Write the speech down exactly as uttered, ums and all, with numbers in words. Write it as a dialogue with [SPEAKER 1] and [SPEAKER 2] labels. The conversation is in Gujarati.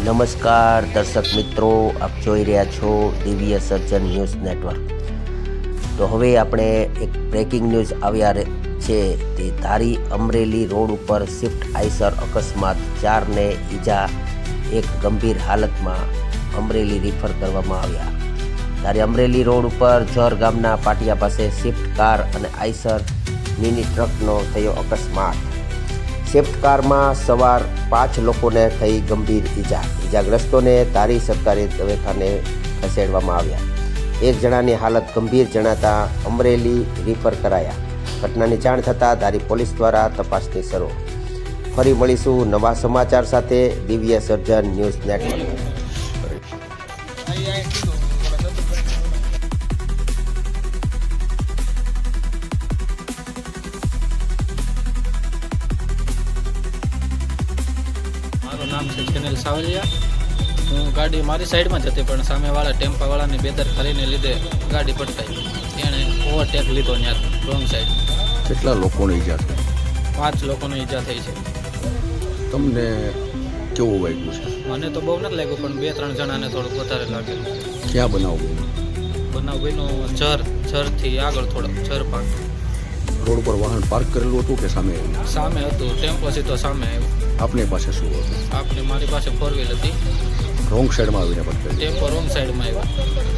[SPEAKER 1] નમસ્કાર દર્શક મિત્રો, આપ જોઈ રહ્યા છો દિવ્ય સર્જન ન્યૂઝ નેટવર્ક. તો હવે આપણે એક બ્રેકિંગ ન્યૂઝ આવ્યા છે. તે ધારી અમરેલી રોડ ઉપર સ્વિફ્ટ આઈસર અકસ્માત, ચારને ઈજા, એક ગંભીર હાલતમાં અમરેલી રિફર કરવામાં આવ્યા. ધારી અમરેલી રોડ ઉપર જર ગામના પાટિયા પાસે સ્વિફ્ટ કાર અને આઈસર મિની ટ્રકનો થયો અકસ્માત. સ્વિફ્ટ કારમાં સવાર પાંચ લોકોને થઈ ગંભીર ઈજા. ઈજાગ્રસ્તોને ધારી સરકારી દવાખાને ખસેડવામાં આવ્યા. એક જણાની હાલત ગંભીર જણાતા અમરેલી રિફર કરાયા. ઘટનાની જાણ થતાં ધારી પોલીસ દ્વારા તપાસની શરૂ. ફરી મળીશું નવા સમાચાર સાથે. દિવ્ય સર્જન ન્યૂઝ નેટવર્ક.
[SPEAKER 2] મારું નામ છે ચેનલ સાવલિયા. હું ગાડી મારી સાઈડમાં જ હતી, પણ સામેવાળા ટેમ્પાવાળાની બેદરકારીને લીધે ગાડી પટકાઈ. એણે ઓવરટેક લીધો ત્યાં રોંગ સાઈડ.
[SPEAKER 3] કેટલા લોકોને ઈજા થઈ?
[SPEAKER 2] પાંચ લોકોને ઈજા થઈ છે.
[SPEAKER 3] તમને કેવું વાગ્યું છે?
[SPEAKER 2] મને તો બહુ નથી લાગ્યું, પણ બે ત્રણ જણાને થોડુંક વધારે લાગેલું.
[SPEAKER 3] ક્યાં બનાવ બન્યો?
[SPEAKER 2] બનાવ બન્યો જર જરથી આગળ થોડોક જર પાક.
[SPEAKER 3] રોડ પર વાહન પાર્ક કરેલું હતું કે સામે આવ્યું?
[SPEAKER 2] સામે હતું, ટેમ્પો સીધો સામે આવ્યો.
[SPEAKER 3] આપની પાસે શું હતું?
[SPEAKER 2] આપણે મારી પાસે ફોર વ્હીલ હતી,
[SPEAKER 3] રોંગ સાઈડમાં આવીને પટકાઈ.
[SPEAKER 2] ટેમ્પો રોંગ સાઈડમાં આવ્યો.